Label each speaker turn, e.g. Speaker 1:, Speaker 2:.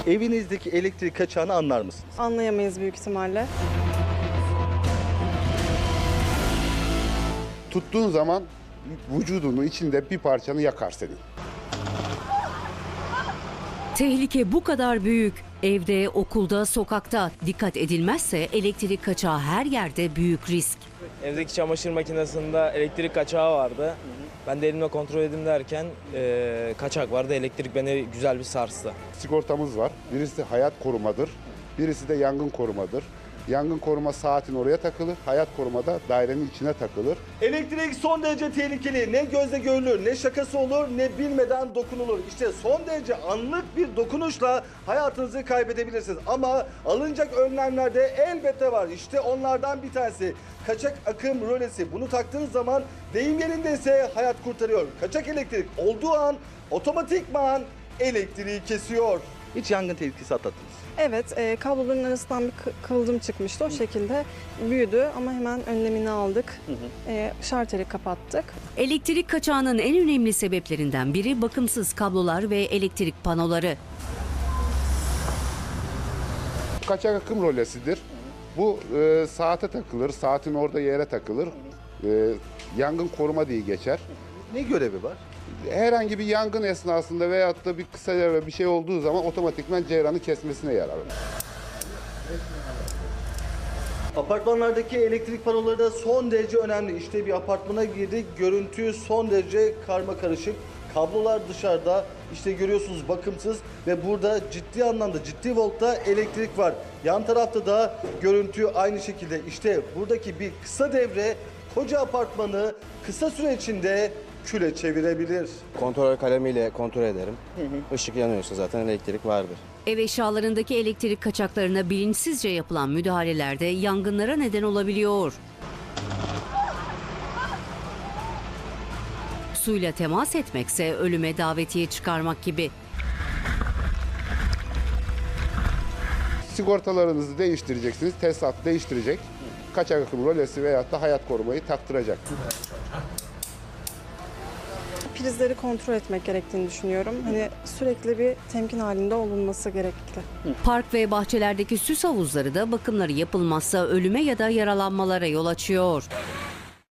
Speaker 1: Evinizdeki elektrik kaçağını anlar mısınız?
Speaker 2: Anlayamayız büyük ihtimalle.
Speaker 3: Tuttuğun zaman vücudunun içinde bir parçanı yakar senin.
Speaker 4: Tehlike bu kadar büyük. Evde, okulda, sokakta dikkat edilmezse elektrik kaçağı her yerde büyük risk.
Speaker 5: Evdeki çamaşır makinesinde elektrik kaçağı vardı. Ben de elimle kontrol edeyim derken kaçak vardı. Elektrik beni güzel bir sarstı.
Speaker 3: Sigortamız var. Birisi hayat korumadır, birisi de yangın korumadır. Yangın koruma saatin oraya takılır, hayat korumada dairenin içine takılır.
Speaker 1: Elektrik son derece tehlikeli. Ne gözle görülür, ne şakası olur, ne bilmeden dokunulur. İşte son derece anlık bir dokunuşla hayatınızı kaybedebilirsiniz. Ama alınacak önlemler de elbette var. İşte onlardan bir tanesi. Kaçak akım rölesi. Bunu taktığınız zaman deyim yerindeyse hayat kurtarıyor. Kaçak elektrik olduğu an otomatikman elektriği kesiyor. Hiç yangın tehlikesi atlattınız.
Speaker 2: Evet, kabloların arasından bir kıvılcım çıkmıştı. O şekilde büyüdü ama hemen önlemini aldık. Şarteri kapattık.
Speaker 4: Elektrik kaçağının en önemli sebeplerinden biri bakımsız kablolar ve elektrik panoları.
Speaker 3: Kaçak akım rölesidir. Bu saate takılır, saatin orada yere takılır. Yangın koruma diye geçer.
Speaker 1: Ne görevi var?
Speaker 3: Herhangi bir yangın esnasında veyahut da bir kısa devre bir şey olduğu zaman otomatikman ceyranı kesmesine yarar.
Speaker 1: Apartmanlardaki elektrik panoları da son derece önemli. İşte bir apartmana girdik. Görüntü son derece karmakarışık. Kablolar dışarıda. İşte görüyorsunuz bakımsız ve burada ciddi anlamda ciddi voltta elektrik var. Yan tarafta da görüntü aynı şekilde. İşte buradaki bir kısa devre koca apartmanı kısa süre içinde küle çevirebilir.
Speaker 6: Kontrol kalemiyle kontrol ederim. Işık yanıyorsa zaten elektrik vardır.
Speaker 4: Ev eşyalarındaki elektrik kaçaklarına bilinçsizce yapılan müdahalelerde yangınlara neden olabiliyor. Suyla temas etmekse ölüme davetiye çıkarmak gibi.
Speaker 3: Sigortalarınızı değiştireceksiniz, tesisat değiştirecek. Kaçak akım rölesi veyahut da hayat korumayı taktıracak.
Speaker 2: Prizleri kontrol etmek gerektiğini düşünüyorum. Hani sürekli bir temkin halinde olunması gerekli.
Speaker 4: Park ve bahçelerdeki süs havuzları da bakımları yapılmazsa ölüme ya da yaralanmalara yol açıyor.